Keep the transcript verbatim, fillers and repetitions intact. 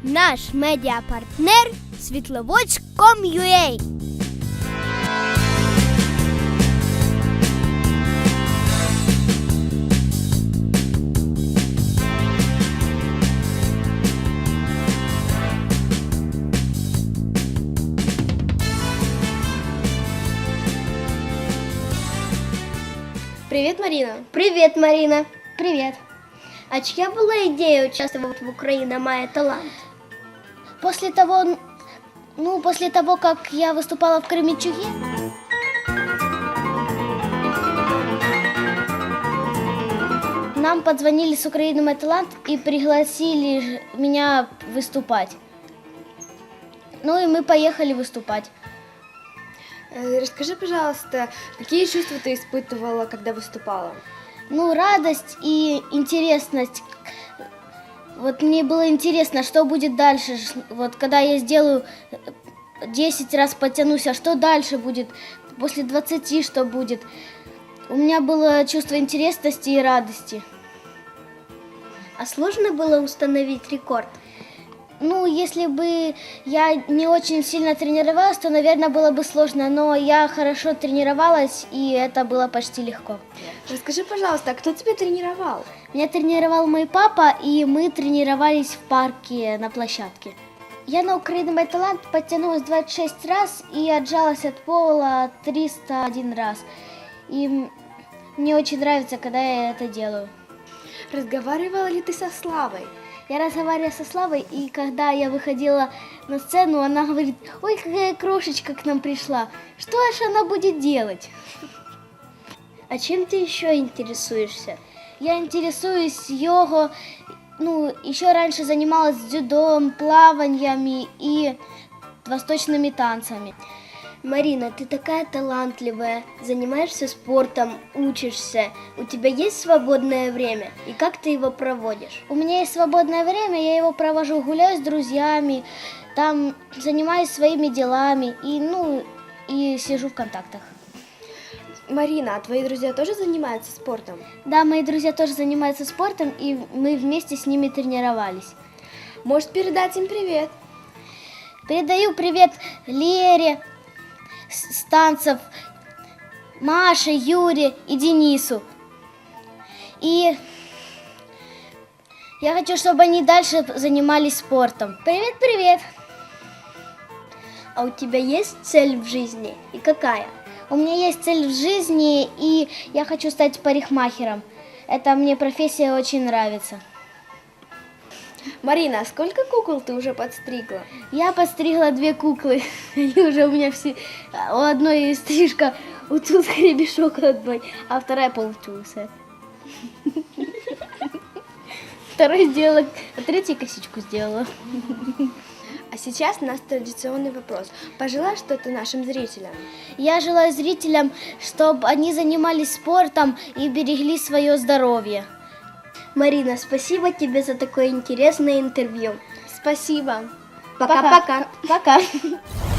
Наш медіапартнер світловодськ крапка ком крапка ю а. Привет, Марина. Привет, Марина. Привет. А чья была идея участвовать в «Украина має талант»? После того, ну, после того, как я выступала в Кременчуге, нам позвонили с «Украины має талант» и пригласили меня выступать. Ну и мы поехали выступать. Расскажи, пожалуйста, какие чувства ты испытывала, когда выступала? Ну, радость и интересность. Вот мне было интересно, что будет дальше. Вот когда я сделаю десять раз потянусь, а что дальше будет? После двадцати что будет? У меня было чувство интересности и радости. А сложно было установить рекорд? Ну, если бы я не очень сильно тренировалась, то, наверное, было бы сложно. Но я хорошо тренировалась, и это было почти легко. Расскажи, пожалуйста, а кто тебя тренировал? Меня тренировал мой папа, и мы тренировались в парке на площадке. Я на «Украина має талант» подтянулась двадцать шесть раз и отжалась от пола триста один раз. И мне очень нравится, когда я это делаю. Разговаривала ли ты со Славой? Я разговаривала со Славой, и когда я выходила на сцену, она говорит: «Ой, какая крошечка к нам пришла, что же она будет делать?» А чем ты еще интересуешься? Я интересуюсь йогой, ну, еще раньше занималась дзюдо, плаваниями и восточными танцами. Марина, ты такая талантливая, занимаешься спортом, учишься. У тебя есть свободное время? И как ты его проводишь? У меня есть свободное время, я его провожу, гуляю с друзьями, там занимаюсь своими делами и, ну, и сижу в контактах. Марина, а твои друзья тоже занимаются спортом? Да, мои друзья тоже занимаются спортом, и мы вместе с ними тренировались. Можешь передать им привет? Передаю привет Лере с танцев, Маше, Юре и Денису. И я хочу, чтобы они дальше занимались спортом. Привет-привет! А у тебя есть цель в жизни? И какая? У меня есть цель в жизни, и я хочу стать парикмахером. Это мне профессия очень нравится. Марина, а сколько кукол ты уже подстригла? Я подстригла две куклы. Они уже у меня все... У одной стрижка, у тут гребешок одной, а вторая полчуса. Второй сделала, а третью косичку сделала. А сейчас у нас традиционный вопрос. Пожелай что-то нашим зрителям. Я желаю зрителям, чтобы они занимались спортом и берегли свое здоровье. Марина, спасибо тебе за такое интересное интервью. Спасибо. Пока-пока. Пока.